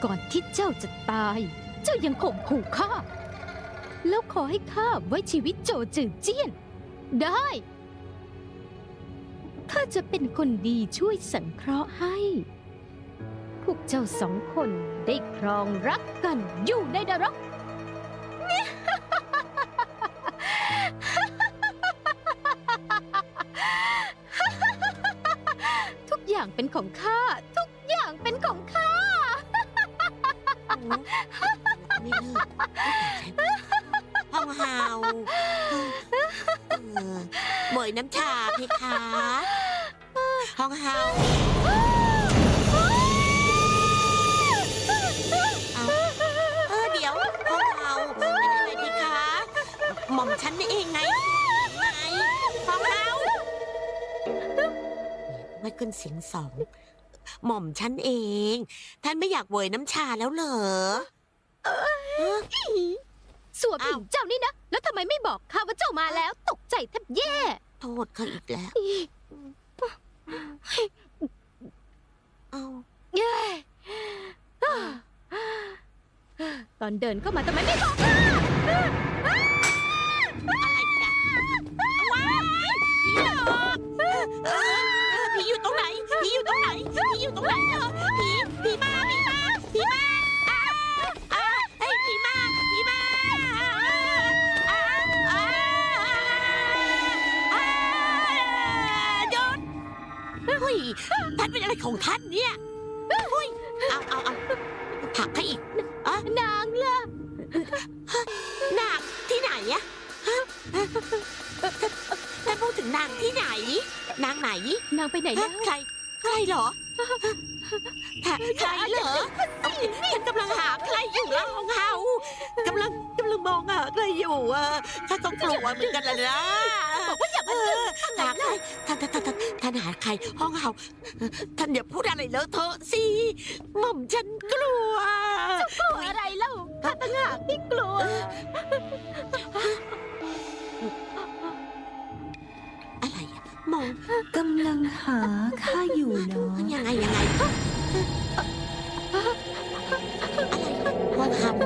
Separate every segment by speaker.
Speaker 1: ก่อนที่เจ้าจะตาย เจ้ายังข่มขู่ข้าแล้วขอให้ข้าไว้ชีวิตโจจือเจี้ยนได้ข้าจะเป็นคนดีช่วยสังเคราะห์ให้พวกเจ้าสองคนได้ครองรักกันอยู่ในนรก ทุกอย่างเป็นของข้าทุกอย่างเป็นของข้า
Speaker 2: ไม่เลิกห้องเฮาเหมยน้ำชาเพคะห้องเฮาเดี๋ยวห้องเฮาเป็นอะไรเพคะหม่อมฉันเองไงห้องเฮาไม่ขึ้นเสียงสองหม่อมฉันเองท่านไม่อยากเวยน้ำชาแล้วเหรอ
Speaker 1: สัวผิงเจ้านี่นะแล้วทำไมไม่บอกข้าว่าเจ้ามาแล้วตกใจแทบแย่
Speaker 2: โทษเขาอีกแล้วเอา
Speaker 1: ตอนเดินเข้ามาทำไมไม่บอกข้า
Speaker 2: อะไรกันว้ายผีหลอกผีอยู่ตรงไหนผีอยู่ตรงไหนผีอยู่ตรงไหนเหรอผีมาผีมาเฮ้ยผีมาโดนเฮ้ยท่านเป็นอะไรของท่านเนี่ยเฮ้ยเอาผลักให้อีก
Speaker 1: นางล่ะ
Speaker 2: นางที่ไหนอะท่านพูดถึงนางที่ไหนนางไหน
Speaker 1: นางไปไหนแล้ว
Speaker 2: ใครเหรอใครเหรอฉันกำลังหาใครอยู่แล้วของเฮากำลังมองหาใครอยู่ข้าก็กลัวเหมือนกันละนะ
Speaker 1: บอกว่าอย่ามา
Speaker 2: หาใครท่านหาใครห้องเฮาท่านอย่าพูดอะไรเลอะเทอะสิหม่อมฉันกลัว
Speaker 1: กลัวอะไรเล่าข้าต่างหากที่กลัว
Speaker 2: อะไรมอง
Speaker 3: กำลังหาข้าอยู่เนาะ
Speaker 2: ยังไงอะไรห้องเฮา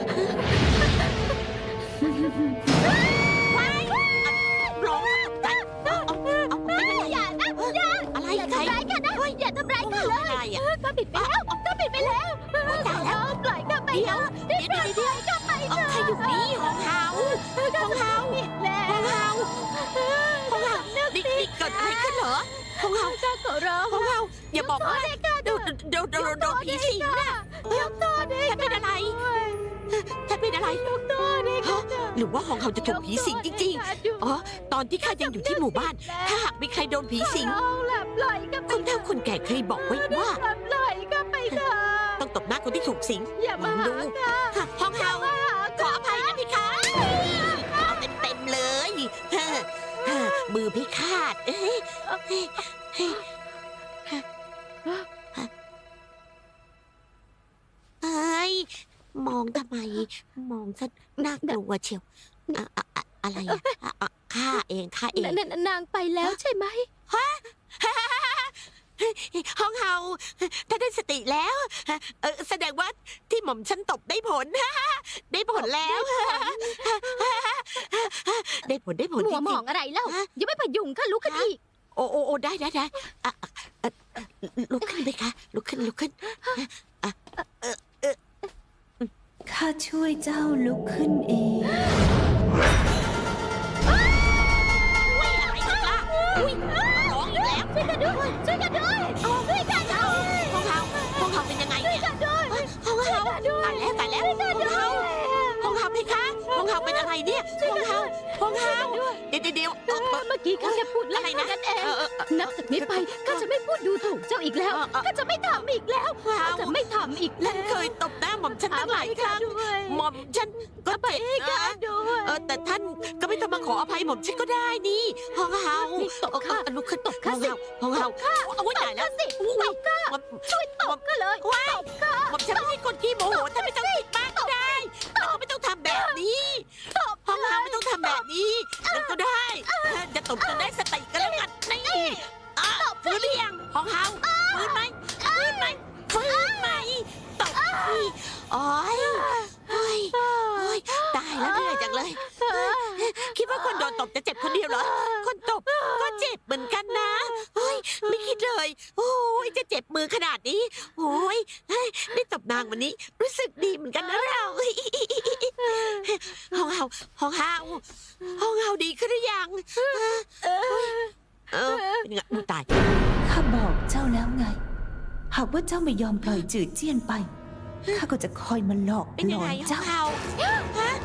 Speaker 2: ว้ายร้องตกใจเอาไม่เป็นไร
Speaker 1: อย่านะอย่า
Speaker 2: อะไร
Speaker 1: อย่าทำร้ายกันนะอย่าทำร้ายกันเลยข้าผิดไปแล้วข้าผิดไปแล้วปล่อยข้าไปแล้ว
Speaker 2: เดี๋ยว
Speaker 1: ข้าไป
Speaker 2: เอาใครอยู่นี่ห้องเฮา
Speaker 1: ผิดแล้ว
Speaker 2: ห้องเฮานี่เกิดอะไรขึ้นเหรอห้องเฮา
Speaker 1: ข้าขอร้อง
Speaker 2: ห้องเฮาอย่าบอกว่าโดนผีสิงนะ
Speaker 1: ยกโทษให้
Speaker 2: ท่านเป็นอะไรท่านเป็นอะไร
Speaker 1: ยกโทษให้
Speaker 2: หรือว่าห้องเฮาจะถูกผีสิงจริงๆอ๋อตอนที่ข้ายังอยู่ที่หมู่บ้านถ้าหากมีใครโดนผีสิงคนเฒ่าคนแก่เคยบอกไว้ว่า
Speaker 1: ปล่อยก็ไปเถอะ
Speaker 2: ต้องตบหน้าคนที่ถูกสิง
Speaker 1: อย่ามาดู
Speaker 2: ห้องเฮาขออภัยนะพี่คะเอาเต็มเลยมือพี่คาดมองทำไมมองซะน่ากลัวเชียวอะไรข้าเอง
Speaker 1: นางไปแล้วใช่ไหม
Speaker 2: ห้องเฮาถ้าได้สติแล้วแสดงว่าที่หม่อมฉันตบได้ผลได้ผลแล้วได้ผล
Speaker 1: หัวหมองอะไรเล่ายังไม่พยุงข้าลุกขึ้นอีก
Speaker 2: โอ้ได้ลุกขึ้นไหมคะลุกขึ้น
Speaker 3: ข้าช่วยเจ้าลุกขึ้นเอง
Speaker 2: อะไรกันล่ะร้องอีกแล้ว
Speaker 1: ช่วยกันด้วยห้อง
Speaker 2: เฮาเป็นยังไงเนี่ยห้องเฮาตายแล้วห้องเฮาเพคะห้องเฮาเป็นอะไรเนี่ยห้องเฮาเดี๋ยว
Speaker 1: เมื่อกี้ข้าแค่พูดอะไรนะเองนับจากนี้ไปข้าจะไม่พูดดูถูกเจ้าอีกแล้วข้าจะไม่ทำอีกแล้วข้าจะไม่ทำอีกแล้ว
Speaker 2: เคยตบหน้าหม่อมฉันตั้งหลายครั้งหม่อมฉันก็เจ็บนะแต่ท่านก็ไม่ต้องมาขออภัยหม่อมฉันก็ได้นี่ห้องเฮา
Speaker 1: ตบข้า
Speaker 2: ลุกขึ้นตบข้าห้องเฮาเอาไว้ไหนแล้ว
Speaker 1: สิตบข้าช่วยตบข้าเลย
Speaker 2: ตบข้าหม่อมฉันไม่ใช่คนขี้โมโหท่านไม่ต้องคิดมากก็ได้ไม่ต้องทำแบบนี้ห้องเฮาไม่ต้องทำแบบนี้นั่นก็ได้จะตบจนได้สติกันแล้วกันนี่ฟื้นหรือยังห้องเฮาฟื้นไหมฟื้นไหมตบโอ้ยโอ้ยโอ้ยตายแล้วเหนื่อยจังเลย คิดว่าคนโดนตบจะเจ็บคนเดียวเหรอ คนตบก็เจ็บเหมือนกันนะโอ้ยไม่คิดเลย โอ้ยจะเจ็บมือขนาดนี้ โอ้ยได้ตบนางวันนี้ รู้สึกดีเหมือนกันนะเราห้องเฮาห้องเฮาห้องเฮาดีขึ้นหรือยังเป็นไงตาย
Speaker 3: ข้าบอกเจ้าแล้วไง หากว่าเจ้าไม่ยอมปล่อยจืดเจี้ยนไป ข้าก็จะคอยมาหลอก
Speaker 2: เป็น
Speaker 3: หล
Speaker 2: ยัง
Speaker 3: อ
Speaker 2: ไง
Speaker 3: น
Speaker 2: ห้อง
Speaker 3: เจ้า
Speaker 2: เฮาฮะ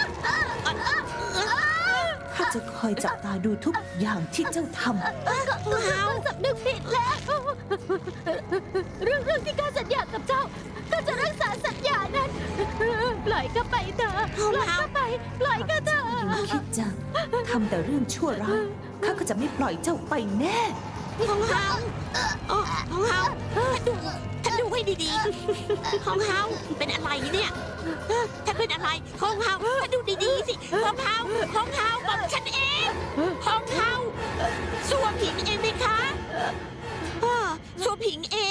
Speaker 3: ข้าจะคอยจับตาดูทุกอย่างที่เจ้าท
Speaker 2: ห้องเฮา
Speaker 1: สำนึกผิดแล้ว เรื่องที่ข้าสัญญากับเจ้าข้าจะรักษาสัญญานั้น ปล่อยข้าไปเถอะปล่อยข้าไป ปล่อยข้าเถอะ
Speaker 3: ำอยู่คิดจะทำแต่เรื่องชั่วร้ายข้าก็จะไม่ปล่อยเจ้าไปแน่
Speaker 2: ห้องเฮาห้องเฮาท่านดูให้ดีๆห้องเฮาเป็นอะไรเนี่ยท่านเป็นอะไรห้องเฮาท่านดูดีๆสิห้องเฮาห้องเฮาบอกฉันเองห้องเฮาสัวผิงเองไหมคะสัวผิงเอง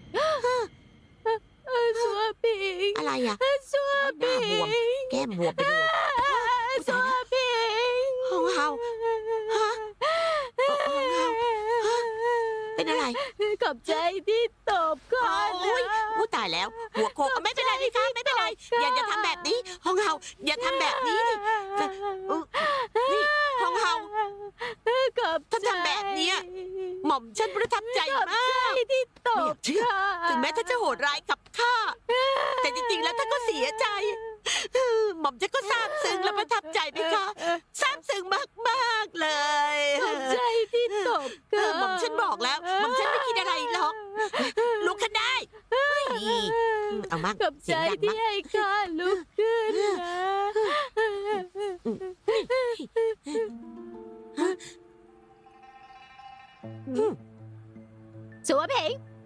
Speaker 1: สัวปิง
Speaker 2: อะไรอ่ะ
Speaker 1: สัว
Speaker 2: หน้า
Speaker 1: ปิ
Speaker 2: บวม
Speaker 1: ง
Speaker 2: แก้มบวมไปเลย
Speaker 1: สัวปิง
Speaker 2: ห้องเฮาฮะห้องเฮาเป็นอะไร
Speaker 1: ขอบใจที่ตบก่อน
Speaker 2: โอ้ย
Speaker 1: นะ
Speaker 2: อู้ตายแล้ว หัวโขกไม่เป็นไรพี่คะไม่เป็นไร อย่าทำแบบนี้ ห้องเฮาอย่าทำแบบนี้ดินี่ห้องเฮา
Speaker 1: ขอบใจ
Speaker 2: ถ้าทำแบบเนี้ย หม่อมฉันประทับใจ
Speaker 1: ขอบ
Speaker 2: มาก
Speaker 1: ใจที่ต
Speaker 2: ไม่อยา
Speaker 1: บ
Speaker 2: กเชื่อ ถึงแม้ท่านจะโหดร้ายกับข้า แต่จริงๆ แล้วท่านก็เสียใจ หม่อมฉันก็ซาบซึ้งและประทับใจไหมคะซาบซึ้งมากๆเลย
Speaker 1: ขอบใจที่ตบก่อน
Speaker 2: หม่อมฉันบอกแล้ว หม่อมฉันไม่คิดอะไรหรอก ลุกขึ้นได้เฮ้ยเอามั่ง
Speaker 1: ขอบ
Speaker 2: เสี
Speaker 1: ใจ
Speaker 2: ยงดัง
Speaker 1: ที่
Speaker 2: มั่ง
Speaker 1: ให้ข้าลุกขึ้นนะ สัวเพง